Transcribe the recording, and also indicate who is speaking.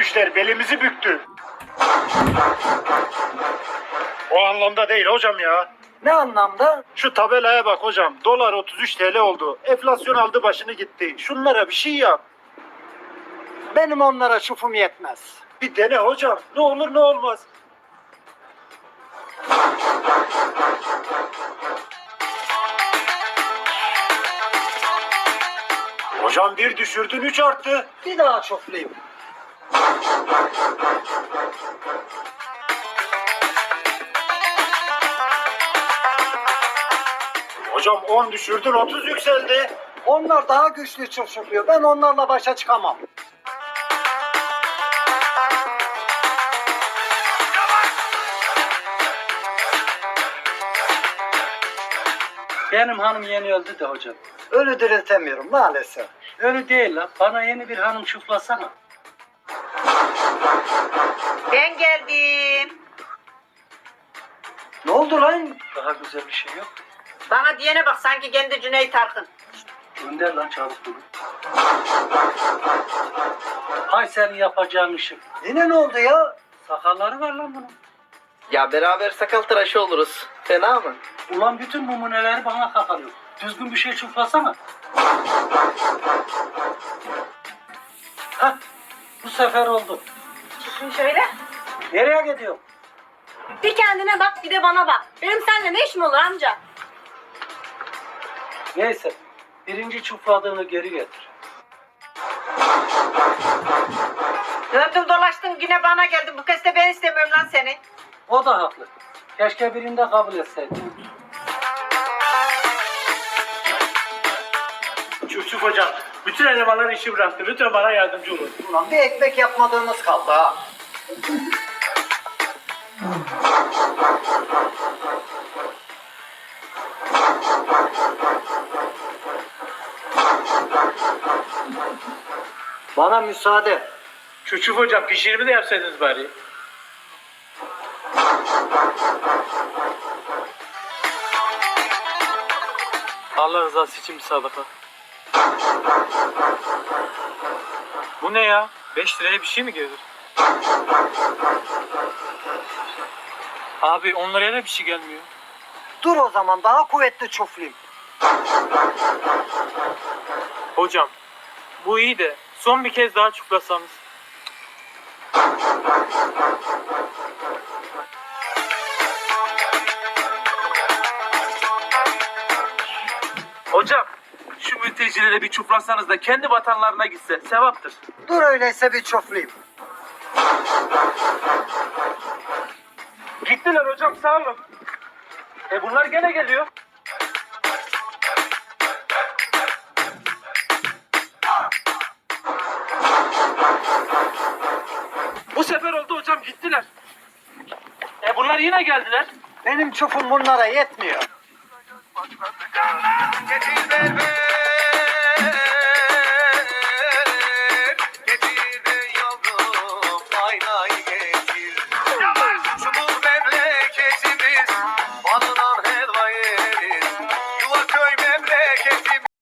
Speaker 1: düşüşler belimizi büktü. O anlamda değil hocam ya.
Speaker 2: Ne anlamda?
Speaker 1: Şu tabelaya bak hocam. Dolar 33 TL oldu. Enflasyon aldı başını gitti. Şunlara bir şey yap.
Speaker 2: Benim onlara çufum yetmez.
Speaker 1: Bir dene hocam. Ne olur ne olmaz. Hocam bir düşürdün 3 arttı.
Speaker 2: Bir daha çuflayayım.
Speaker 1: Hocam 10 düşürdün 30 yükseldi.
Speaker 2: Onlar daha güçlü çufluyor. Ben onlarla başa çıkamam.
Speaker 3: Benim hanım yeni öldü de hocam.
Speaker 2: Ölü diriltemiyorum maalesef.
Speaker 3: Öyle değil lan. Bana yeni bir hanım çuflasana.
Speaker 4: Ben geldim.
Speaker 2: Ne oldu lan?
Speaker 3: Daha güzel bir şey yok.
Speaker 4: Bana diyene bak sanki kendi Cüneyt Arkın.
Speaker 3: Gönder lan çabuk bunu. Hay senin yapacağın işi.
Speaker 2: Yine ne oldu ya?
Speaker 3: Sakalları var lan bunun.
Speaker 5: Ya beraber sakal tıraşı oluruz. Fena mı?
Speaker 3: Ulan bütün numuneleri bana kakalıyor. Düzgün bir şey çuflasana. Hah, bu sefer oldu.
Speaker 6: Çıkın şöyle.
Speaker 3: Nereye gidiyor?
Speaker 6: Bir kendine bak bir de bana bak. Benim seninle ne işim olur amca?
Speaker 3: Neyse, birinci çufladığını geri getir.
Speaker 4: Döndüm dolaştım yine bana geldi. Bu kez de ben istemiyorum lan seni.
Speaker 3: O da haklı. Keşke birinde kabul etseydin.
Speaker 1: Çuf hocam. Bütün elemanlar işi bıraktı. Lütfen bana yardımcı olun.
Speaker 2: Ulan bir ekmek yapmadığımız kaldı ha. Bana müsaade.
Speaker 1: Çuf hocam pişirimi de yapsaydınız bari.
Speaker 7: Allah rızası için bir sadaka. Bu ne ya? 5 liraya bir şey mi gelir? Abi 10 liraya da bir şey gelmiyor.
Speaker 2: Dur o zaman daha kuvvetli çuflayayım.
Speaker 7: Hocam bu iyi de son bir kez daha çuklasanız.
Speaker 8: Hocam şu mültecilere bir çuplasanız da kendi vatanlarına gitse sevaptır.
Speaker 2: Dur öyleyse bir çuflayayım.
Speaker 8: Gittiler hocam sağ olun. Bunlar gene geliyor. Bu sefer oldu hocam gittiler. Bunlar yine geldiler.
Speaker 2: Benim çufum bunlara yetmiyor.
Speaker 9: Geçiver be.